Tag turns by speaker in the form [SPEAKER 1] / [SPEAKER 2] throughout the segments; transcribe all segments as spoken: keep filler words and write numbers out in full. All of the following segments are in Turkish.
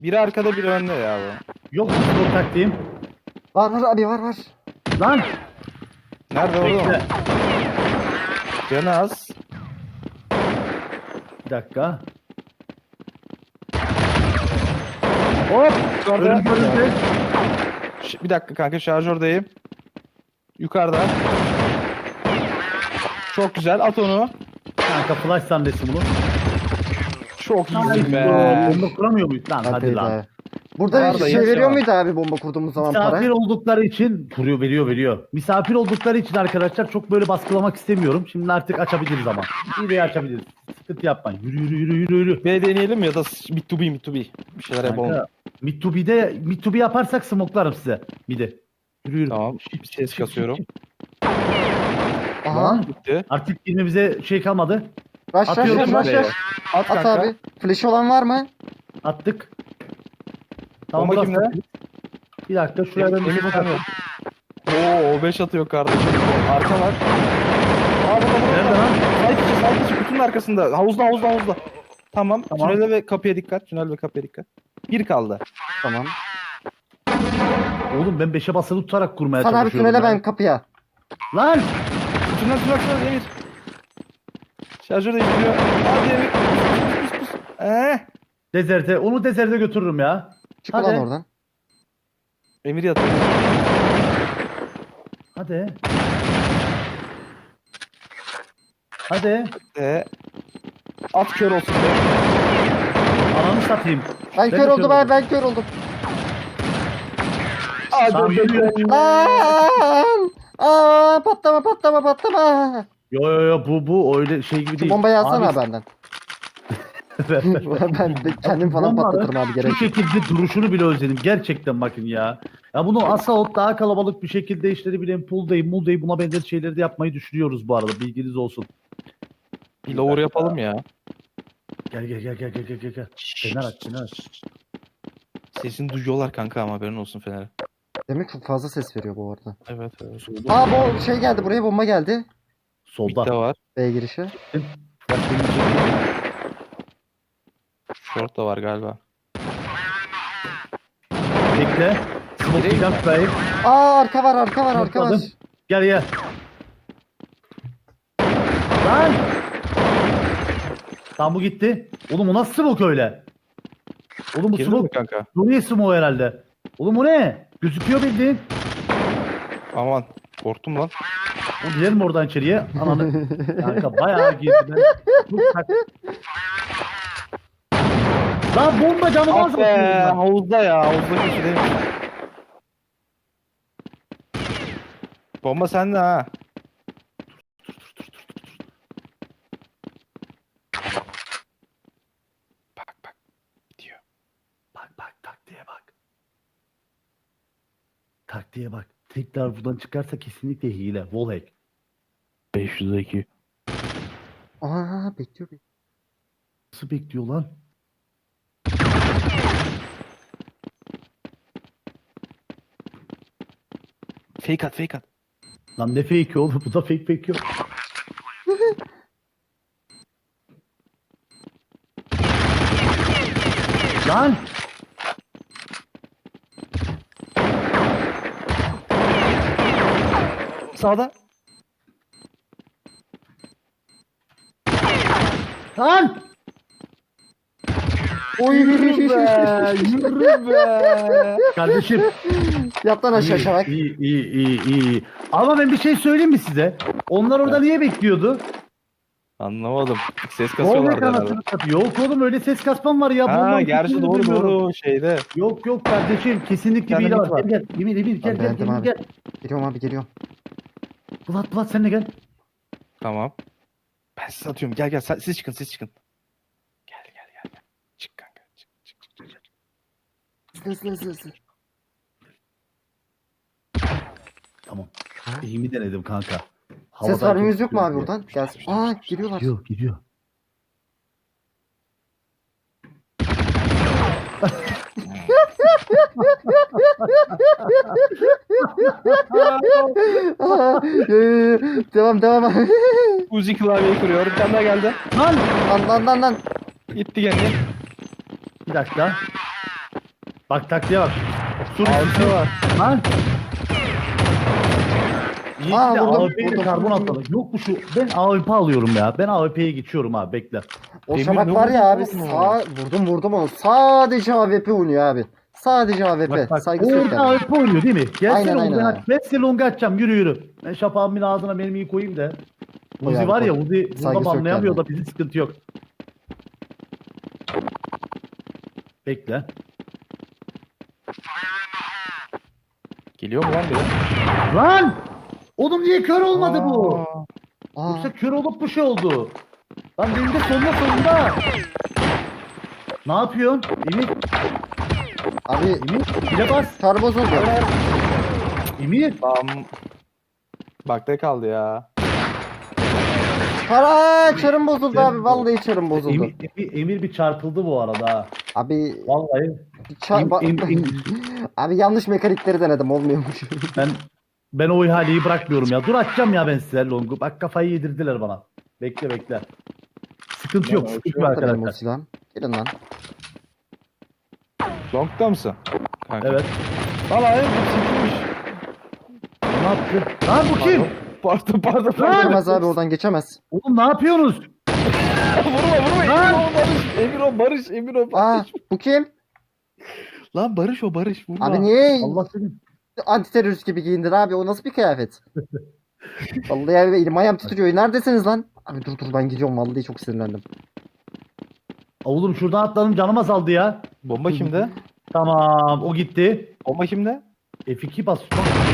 [SPEAKER 1] Biri arkada biri önde ya bu.
[SPEAKER 2] Yok bu taktiğim.
[SPEAKER 3] Var var abi var var.
[SPEAKER 2] Lan.
[SPEAKER 1] Nerede orada mı?
[SPEAKER 2] Bekle.
[SPEAKER 1] Canı az.
[SPEAKER 2] Bir dakika.
[SPEAKER 1] Hop. Yukarıda.
[SPEAKER 2] Önüm önümde.
[SPEAKER 1] Ş- Bir dakika kanka şarjördeyim. Yukarıda. Çok güzel at onu.
[SPEAKER 2] Kanka flash sandesi bunu.
[SPEAKER 1] Çok
[SPEAKER 2] Ay,
[SPEAKER 1] iyisin be.
[SPEAKER 2] bomba kuramıyor muyuz? Lan hadi
[SPEAKER 3] Hadi
[SPEAKER 2] lan.
[SPEAKER 3] be. Burada
[SPEAKER 1] Var
[SPEAKER 3] bir
[SPEAKER 1] da
[SPEAKER 3] şey
[SPEAKER 1] yine
[SPEAKER 3] veriyor
[SPEAKER 1] var.
[SPEAKER 3] muydu abi bomba kurduğumuz zaman
[SPEAKER 2] Misafir
[SPEAKER 3] para?
[SPEAKER 2] oldukları için kuruyor veriyor veriyor. Misafir oldukları için arkadaşlar çok böyle baskılamak istemiyorum. Şimdi artık açabiliriz ama. İyi de açabiliriz. Sıkıntı yapmayın. Yürü yürü yürü yürü yürü.
[SPEAKER 1] B deneyelim ya da mid to be mid to be. Bir şeyler yapalım.
[SPEAKER 2] Kanka, mid to B'de mid to B yaparsak smoklarım size. Midi. Yürü yürü.
[SPEAKER 1] Tamam. Bir ses kasıyorum.
[SPEAKER 3] Aha.
[SPEAKER 2] Lan
[SPEAKER 1] Bitti.
[SPEAKER 2] artık girmemize şey kalmadı.
[SPEAKER 3] Rush rush
[SPEAKER 2] Atıyorum
[SPEAKER 3] rush rush
[SPEAKER 1] buraya.
[SPEAKER 3] rush.
[SPEAKER 1] At
[SPEAKER 3] At
[SPEAKER 1] kanka.
[SPEAKER 3] abi. Flash olan var mı?
[SPEAKER 2] Attık.
[SPEAKER 1] Bomba
[SPEAKER 2] burası-
[SPEAKER 1] kimde?
[SPEAKER 2] Bir dakika şuraya ben bir
[SPEAKER 1] Emir
[SPEAKER 2] smoke
[SPEAKER 1] sen mi?
[SPEAKER 2] atayım.
[SPEAKER 1] Oo o beş atıyor kardeşim. Arka var. Aa burada burada.
[SPEAKER 2] Nerede lan?
[SPEAKER 1] Sağ içi sağ içi kutunun arkasında. Havuzda havuzda havuzda. Tamam.
[SPEAKER 2] Tamam.
[SPEAKER 1] Tünele ve kapıya dikkat. Tünel ve kapıya dikkat. Bir kaldı.
[SPEAKER 3] Tamam.
[SPEAKER 2] Oğlum ben beşe basılı tutarak kurmaya
[SPEAKER 3] Sen abi
[SPEAKER 2] çalışıyorum.
[SPEAKER 3] tünele
[SPEAKER 2] ya.
[SPEAKER 3] ben kapıya.
[SPEAKER 2] Lan!
[SPEAKER 1] Tünel tünel tünel Emir. Şarjör değiştiriyor. Hadi Emir. Pus, pus, pus. Eh.
[SPEAKER 2] Dezerte. Onu dezerte götürürüm ya.
[SPEAKER 3] Çık
[SPEAKER 2] Hadi.
[SPEAKER 3] ulan oradan.
[SPEAKER 1] Emir yatıyor.
[SPEAKER 2] Hadi. Hadi.
[SPEAKER 1] Ee, at kör olsun. be.
[SPEAKER 2] Ananı satayım.
[SPEAKER 3] Ben
[SPEAKER 2] Ben
[SPEAKER 3] kör
[SPEAKER 2] de
[SPEAKER 3] oldum
[SPEAKER 2] kör
[SPEAKER 3] abi
[SPEAKER 2] oldum.
[SPEAKER 3] ben kör oldum.
[SPEAKER 2] Tamam, yürü.
[SPEAKER 3] Lan! Aa patlama patlama patlama.
[SPEAKER 2] Yo yo yo bu bu öyle şey gibi
[SPEAKER 3] Şu
[SPEAKER 2] değil.
[SPEAKER 3] bombayı alsana
[SPEAKER 2] Abi,
[SPEAKER 3] abi benden. ben de kendim falan
[SPEAKER 2] bomba
[SPEAKER 3] patlatırım abi gerek.
[SPEAKER 2] Şu şekilde duruşunu bile özledim. Gerçekten bakın ya. Ya bunu Assault daha kalabalık bir şekilde işleri bilen Pool'dayım, Mul'dayım buna benzer şeyleri de yapmayı düşünüyoruz bu arada. Bilginiz olsun.
[SPEAKER 1] Bir lower yapalım ya.
[SPEAKER 2] Gel gel gel gel gel gel gel. gel. Fener aç, fener aç.
[SPEAKER 1] Sesini duyuyorlar kanka ama haberin olsun Fener'e.
[SPEAKER 3] Demek çok fazla ses veriyor bu arada.
[SPEAKER 1] Evet evet.
[SPEAKER 3] Aa bu şey geldi buraya bomba geldi.
[SPEAKER 2] Solda.
[SPEAKER 1] Mid'de var.
[SPEAKER 3] B girişi.
[SPEAKER 2] Bak, benim için-
[SPEAKER 1] Short da var galiba.
[SPEAKER 2] Bekle. Smoke
[SPEAKER 1] Gireyim
[SPEAKER 2] bir dakika.
[SPEAKER 3] Aa arka var arka var arka var.
[SPEAKER 2] Atladım. Gel gel. Lan! Tam bu gitti. Oğlum o nasıl smoke öyle? Oğlum bu
[SPEAKER 1] Girdin mi
[SPEAKER 2] smoke
[SPEAKER 1] kanka?
[SPEAKER 2] Suriye smoke herhalde. Oğlum o ne? Gözüküyor bildiğin.
[SPEAKER 1] Aman korktum lan.
[SPEAKER 2] O gidelim mi oradan içeriye? Ananı. Kanka bayağı girdi. Ben... Dur, tak. Lan bomba canım
[SPEAKER 1] Ah
[SPEAKER 2] az
[SPEAKER 1] be havuzda ya havuzda köşedeyim. Bomba sende ha. Bak bak gidiyor.
[SPEAKER 2] Bak bak taktiğe bak. Taktiğe bak. Tekrar buradan çıkarsa kesinlikle hile. Wallhack.
[SPEAKER 1] beş yüz iki.
[SPEAKER 3] Aa bekliyor bekliyor.
[SPEAKER 2] Nasıl bekliyor lan?
[SPEAKER 1] Fake at fake at.
[SPEAKER 2] Lan ne fake oğlum? Bu da fake fake yok. Lan!
[SPEAKER 1] Sağda.
[SPEAKER 2] Lan!
[SPEAKER 3] Oy
[SPEAKER 1] Yürü be. Yürü be.
[SPEAKER 2] Kardeşim.
[SPEAKER 3] Yat lan aşağı şavak.
[SPEAKER 2] İyi, iyi, iyi, iyi, iyi. Ama ben bir şey söyleyeyim mi size? Onlar orada niye bekliyordu?
[SPEAKER 1] Anlamadım. Ses
[SPEAKER 2] Wallhack
[SPEAKER 1] kasıyorlardı herhalde.
[SPEAKER 2] anasını satayım. Yok oğlum öyle ses kasmam var ya.
[SPEAKER 1] Ha
[SPEAKER 2] Bundan
[SPEAKER 1] gerçi
[SPEAKER 2] kesinlikle
[SPEAKER 1] doğru
[SPEAKER 2] duymuyorum.
[SPEAKER 1] doğru şeyde.
[SPEAKER 2] Yok yok kardeşim. Kesinlikle
[SPEAKER 1] Sende
[SPEAKER 2] bir hile
[SPEAKER 1] mit
[SPEAKER 2] var.
[SPEAKER 1] var.
[SPEAKER 2] Gel gel. Emir Emir gel
[SPEAKER 3] Ben
[SPEAKER 2] gel
[SPEAKER 3] beğendim
[SPEAKER 2] gel
[SPEAKER 3] abi.
[SPEAKER 2] gel.
[SPEAKER 3] Geliyorum abi geliyorum.
[SPEAKER 2] Bulat Bulat sen de gel.
[SPEAKER 1] Tamam. Ben size atıyorum. Gel gel sen- siz çıkın siz çıkın. Gel gel gel. gel. Çık kanka. Çık çık çık. çık.
[SPEAKER 3] Hızlı hızlı hızlı hızlı.
[SPEAKER 2] Tamam. İyi mi denedim kanka?
[SPEAKER 3] Ses
[SPEAKER 2] Havadayken
[SPEAKER 3] vermemiz yok mu abi
[SPEAKER 2] tutuyorum
[SPEAKER 3] buradan? Gelsin. Aa geliyorlar.
[SPEAKER 2] diye. Gidiyor gidiyor.
[SPEAKER 3] Aa, yo, yo, yo. Devam devam.
[SPEAKER 1] Uzi klavyeyi kuruyor. Bir tane daha geldi.
[SPEAKER 2] Lan!
[SPEAKER 3] Lan lan lan lan.
[SPEAKER 1] Gitti gene.
[SPEAKER 2] Bir dakika. Bak taktiğe bak. Sur
[SPEAKER 1] Altı var.
[SPEAKER 2] Lan. İyi
[SPEAKER 3] Aa,
[SPEAKER 2] ki de
[SPEAKER 3] vurdum,
[SPEAKER 2] A W P'yi
[SPEAKER 3] vurdum.
[SPEAKER 2] karbon atladı. Yok mu şu? Ben A W P alıyorum ya. Ben A W P'ye geçiyorum abi bekle.
[SPEAKER 3] O
[SPEAKER 1] Demir
[SPEAKER 3] şafak
[SPEAKER 1] ne
[SPEAKER 3] var ya abi
[SPEAKER 1] vurdu oğlum?
[SPEAKER 3] sağ vurdum vurdum onu. Sadece A W P oynuyor abi. Sadece A W P.
[SPEAKER 2] Bak bak.
[SPEAKER 3] Saygısı yok
[SPEAKER 2] Orada
[SPEAKER 3] yani.
[SPEAKER 2] A W P oynuyor değil mi? Gelsene
[SPEAKER 3] Aynen, aynen
[SPEAKER 2] Longa.
[SPEAKER 3] abi.
[SPEAKER 2] Ben size Longa atacağım. Yürü yürü. Ben şapağımın ağzına mermiyi koyayım da.
[SPEAKER 3] Koy
[SPEAKER 2] Uzi
[SPEAKER 3] abi,
[SPEAKER 2] var ya
[SPEAKER 3] koy.
[SPEAKER 2] Uzi
[SPEAKER 3] Saygısı
[SPEAKER 2] burada
[SPEAKER 3] yok
[SPEAKER 2] banlayamıyor
[SPEAKER 3] yani.
[SPEAKER 2] da bizim sıkıntı yok. Bekle.
[SPEAKER 1] Geliyor mu lan biri?
[SPEAKER 2] Lan! Oğlum niye kör olmadı bu?
[SPEAKER 1] Aa,
[SPEAKER 3] Aa,
[SPEAKER 2] Yoksa kör olup bir şey oldu. Lan benim de sonuna sonunda. Ne yapıyorsun? Emir,
[SPEAKER 3] abi
[SPEAKER 2] Emir, bile bas.
[SPEAKER 3] kar bozuldu.
[SPEAKER 2] Emir.
[SPEAKER 1] Tam bakta kaldı ya.
[SPEAKER 3] Para çarım bozuldu
[SPEAKER 2] Çarım
[SPEAKER 3] abi. Vallahi çarım bozuldu.
[SPEAKER 2] Emir, Emir, Emir bir çarpıldı bu arada. ha.
[SPEAKER 3] Abi
[SPEAKER 2] Vallahi
[SPEAKER 3] ça-
[SPEAKER 2] Em-
[SPEAKER 3] ba-
[SPEAKER 2] em- em-
[SPEAKER 3] abi yanlış mekanikleri denedim olmuyormuş.
[SPEAKER 2] ben ben o ihaleyi bırakmıyorum ya. Dur açacağım ya ben size longu. Bak kafayı yedirdiler bana. Bekle bekle. Sıkıntı yok,
[SPEAKER 1] Lan
[SPEAKER 2] sıkıntı
[SPEAKER 1] ölçüyor
[SPEAKER 2] yok
[SPEAKER 3] Benim o
[SPEAKER 2] arkadaşlar.
[SPEAKER 3] silahım. Gelin lan.
[SPEAKER 1] Long'da mısın? Kanka.
[SPEAKER 2] Evet.
[SPEAKER 1] Valla evet bu çıkmış.
[SPEAKER 2] Ne yaptı? Lan bu kim?
[SPEAKER 1] Pardon pardon
[SPEAKER 2] Lan!
[SPEAKER 1] pardon.
[SPEAKER 3] Geçemez abi oradan geçemez.
[SPEAKER 2] Oğlum ne yapıyorsunuz?
[SPEAKER 1] vurma vurma
[SPEAKER 2] Lan!
[SPEAKER 1] Emir o Barış. Emir o Barış. Emir o
[SPEAKER 3] Aa
[SPEAKER 1] Barış.
[SPEAKER 3] bu kim?
[SPEAKER 1] Lan Barış o Barış vurma.
[SPEAKER 3] Abi niye
[SPEAKER 2] Allah seni.
[SPEAKER 3] anti terörist gibi giyindin abi? O nasıl bir kıyafet? Vallahi abi elim ayağım titriyor. Neredesiniz lan? Abi dur dur ben gidiyorum vallahi çok sinirlendim.
[SPEAKER 2] Oğlum şuradan atladım canım azaldı ya.
[SPEAKER 1] Bomba kimde?
[SPEAKER 2] Tamam o gitti.
[SPEAKER 1] Bomba kimde?
[SPEAKER 2] F iki bas.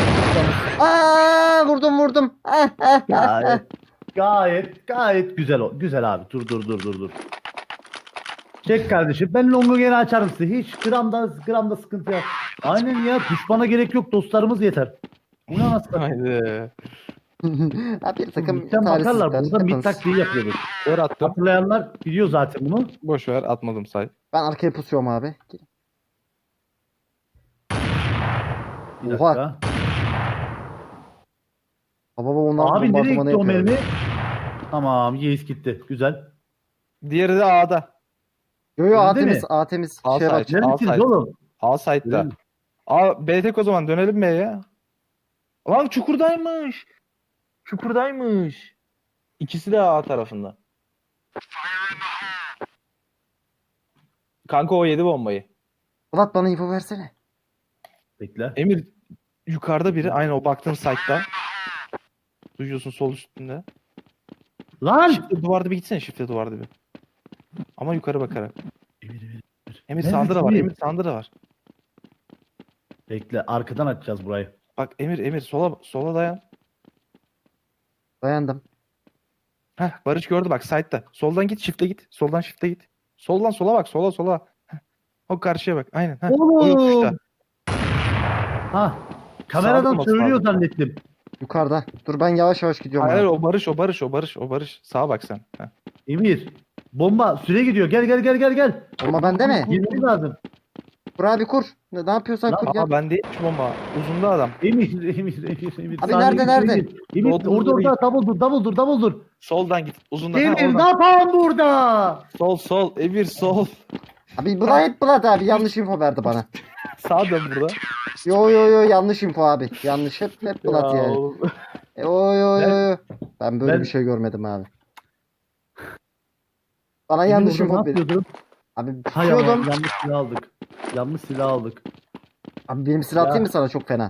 [SPEAKER 3] Aa vurdum vurdum. Ah, ah, ah, ah.
[SPEAKER 2] Gayet, gayet, gayet güzel o. Güzel abi. Dur dur dur dur dur. Çek kardeşim. Ben longu gene açarım size. Hiç gramda gramda sıkıntı yok. Aynen ya. Düşmana gerek yok. Dostlarımız yeter. Bu ne nasıl?
[SPEAKER 1] Haydi.
[SPEAKER 3] Abi bir takım
[SPEAKER 2] Mid'den bakarlar.
[SPEAKER 3] talihsizler.
[SPEAKER 2] Burada mid
[SPEAKER 3] Hepiniz.
[SPEAKER 2] taktiği yapıyoruz.
[SPEAKER 1] Kör attım.
[SPEAKER 2] Hatırlayanlar biliyor zaten bunu.
[SPEAKER 1] Boş ver atmadım say.
[SPEAKER 3] Ben arkaya pusuyorum abi.
[SPEAKER 2] Bir
[SPEAKER 3] Oha.
[SPEAKER 2] dakika.
[SPEAKER 3] Baba baba onlar
[SPEAKER 2] Abi nereye
[SPEAKER 3] bombardımanı
[SPEAKER 2] gitti o
[SPEAKER 3] yapıyor.
[SPEAKER 2] mermi? Tamam. Yeis gitti. Güzel.
[SPEAKER 1] Diğeri de A'da.
[SPEAKER 3] Yo yo A
[SPEAKER 2] Önde
[SPEAKER 3] temiz
[SPEAKER 2] mi?
[SPEAKER 3] A temiz.
[SPEAKER 1] Al
[SPEAKER 3] Şeye
[SPEAKER 1] say.
[SPEAKER 3] bak.
[SPEAKER 2] Neredesiniz
[SPEAKER 1] Alsaydı.
[SPEAKER 2] oğlum?
[SPEAKER 1] A side'da.
[SPEAKER 2] Öyle.
[SPEAKER 1] A B tek o zaman dönelim B'ye. Lan çukurdaymış. Çukurdaymış. İkisi de A tarafında. Kanka o yedi bombayı.
[SPEAKER 3] Polat bana info versene.
[SPEAKER 2] Bekle.
[SPEAKER 1] Emir yukarıda biri aynı o baktığın site'da. Duyuyorsun sol üstünde.
[SPEAKER 2] Lan!
[SPEAKER 1] Shift'e duvarda bir gitsene shift'e duvarda bir. Ama yukarı bakarak.
[SPEAKER 2] Emir, Emir.
[SPEAKER 1] Emir
[SPEAKER 2] Nerede
[SPEAKER 1] sağında da var.
[SPEAKER 2] Emir?
[SPEAKER 1] Emir sağında da var.
[SPEAKER 2] Bekle. Arkadan açacağız burayı.
[SPEAKER 1] Bak Emir Emir sola sola dayan.
[SPEAKER 3] Dayandım.
[SPEAKER 1] Heh Barış gördü bak site'da. Soldan git shift'e git. Soldan shift'e git. Soldan sola bak sola sola. Heh. O karşıya bak. Aynen. Heh. O yokuşta.
[SPEAKER 2] Oğlum! Ha. Kameradan
[SPEAKER 1] olması
[SPEAKER 2] söylüyor
[SPEAKER 1] lazım.
[SPEAKER 2] zannettim.
[SPEAKER 3] Yukarıda. Dur ben yavaş yavaş gidiyorum.
[SPEAKER 1] Hayır
[SPEAKER 3] abi.
[SPEAKER 1] o Barış o Barış o Barış o Barış. Sağa bak sen. Heh.
[SPEAKER 2] Emir. Bomba süre gidiyor. Gel gel gel gel gel.
[SPEAKER 3] Bomba bende mi?
[SPEAKER 2] Girmemiz lazım.
[SPEAKER 3] Kur abi kur. Ne, ne yapıyorsan
[SPEAKER 2] Lan,
[SPEAKER 3] kur
[SPEAKER 1] Aa
[SPEAKER 3] gel.
[SPEAKER 1] ben değil şu bomba. Uzunda adam.
[SPEAKER 2] Emir, Emir, Emir, Emir.
[SPEAKER 3] Abi
[SPEAKER 2] Saniye
[SPEAKER 3] nerede,
[SPEAKER 2] bir
[SPEAKER 3] nerede?
[SPEAKER 2] süre gir. Emir
[SPEAKER 1] Doldur,
[SPEAKER 2] orada
[SPEAKER 1] doldur,
[SPEAKER 2] orada double dur, double dur, double dur.
[SPEAKER 1] Soldan git. Uzunda. Ha,
[SPEAKER 2] Emir
[SPEAKER 1] oradan.
[SPEAKER 2] ne yapalım burada?
[SPEAKER 1] Sol sol. Emir sol.
[SPEAKER 3] Abi bu da hep Polat abi yanlış info verdi bana.
[SPEAKER 1] Sağa dön burada.
[SPEAKER 3] Yo yo yo yanlış info abi. Yanlış hep hep Polat
[SPEAKER 1] Ya
[SPEAKER 3] yani.
[SPEAKER 1] oğlum.
[SPEAKER 3] Yo yo yo yo. Ben böyle
[SPEAKER 2] Ben-
[SPEAKER 3] bir şey görmedim abi. Bana
[SPEAKER 2] Emir
[SPEAKER 3] yanlış
[SPEAKER 2] orada
[SPEAKER 3] info
[SPEAKER 2] ne
[SPEAKER 3] verdi.
[SPEAKER 2] yapıyordun?
[SPEAKER 3] Abi
[SPEAKER 2] Hay Allah,
[SPEAKER 3] tutuyordum.
[SPEAKER 2] yanlış silah aldık. Yanlış silah aldık.
[SPEAKER 3] Abi benim silah
[SPEAKER 2] Ya.
[SPEAKER 3] atayım mı sana çok fena?